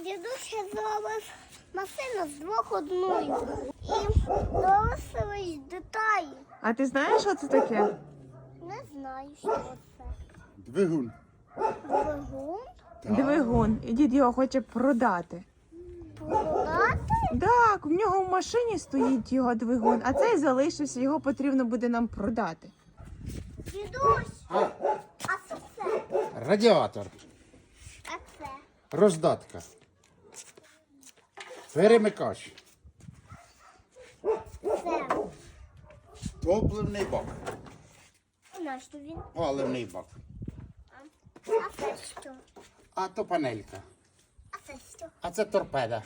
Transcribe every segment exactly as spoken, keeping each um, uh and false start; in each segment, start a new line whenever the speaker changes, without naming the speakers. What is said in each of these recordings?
Дідусь зробив машину з двох одною. І дорослий деталі.
А ти знаєш, що це таке?
Не знаю, що це.
Двигун.
Двигун?
Двигун. І дід його хоче продати.
Продати?
Так, в нього в машині стоїть його двигун, а цей залишився, його потрібно буде нам продати.
Дідусь,
А,
а що це?
радіатор.
А це?
Роздатка. Перемикач.
Це.
Топливний бак.
На що він?
Паливний бак.
А це що?
А то панелька.
А це що?
А це торпеда.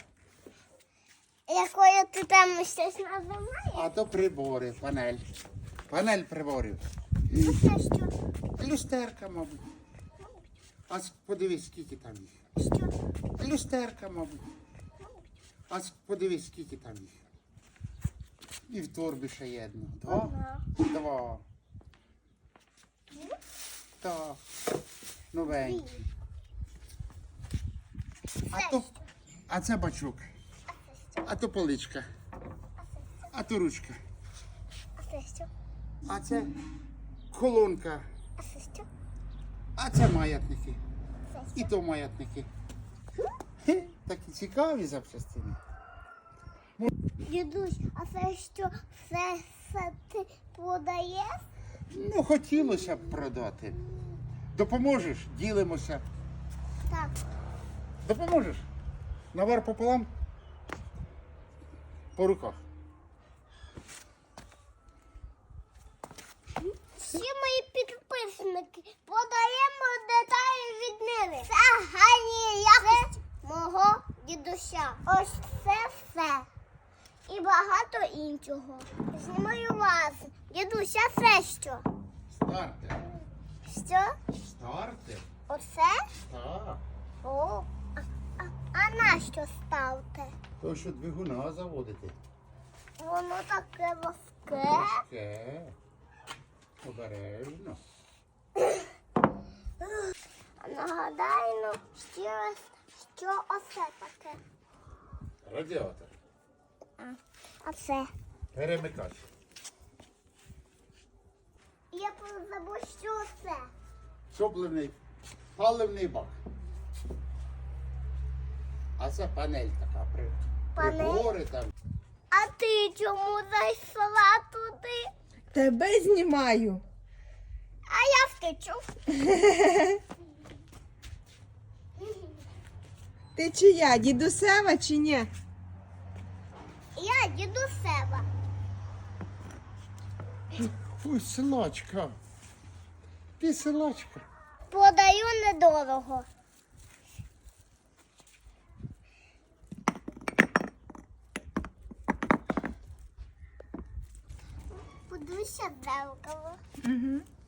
Якою ти там щось називаєш?
А то прибори, панель. Панель приборів.
А це що?
Люстерка, мабуть. А с- подивись, скільки там їх.
Що?
Люстерка, мабуть. А с- подивись, скільки там їх. І в торбі ще є одна. Два?
Одна.
Два. Так. Новенькі. А то, а це бачок. А то поличка. А то ручка.
А це що?
А це колонка.
А це що?
А це маятники.
Це
І то маятники. Хе, такі цікаві запчастини.
Дідусь, а це що? Все, все ти продаєш?
Ну, хотілося б продати. Допоможеш? Ділимося.
Так.
Допоможеш? Навар пополам? По руках.
Всі мої підписники подаємо деталі від Нини. Це гарні якості мого дідуся. Ось це все. І багато іншого. Знімаю вас. Дідуся, це що?
Стартер.
Що?
Стартер?
Оце?
Так.
О, а, а, а на що ставте?
То, що двигуна заводити.
Воно таке важке.
Важке. Обережно.
А нагадаю ну, ще раз, що оце таке.
Радіатор.
А, а це?
Перемикач.
Я забув, що це.
Топливний, паливний бак. А це панель така. При,
Панель?
прибори там.
А ти чому зайшла туди?
Тебе знімаю.
А я втечу.
Ти чия, дідусева чи ні?
Я дідусева.
Ой, силачка. Ти силачка.
Продаю недорого. Подивися в дзеркало.
Угу.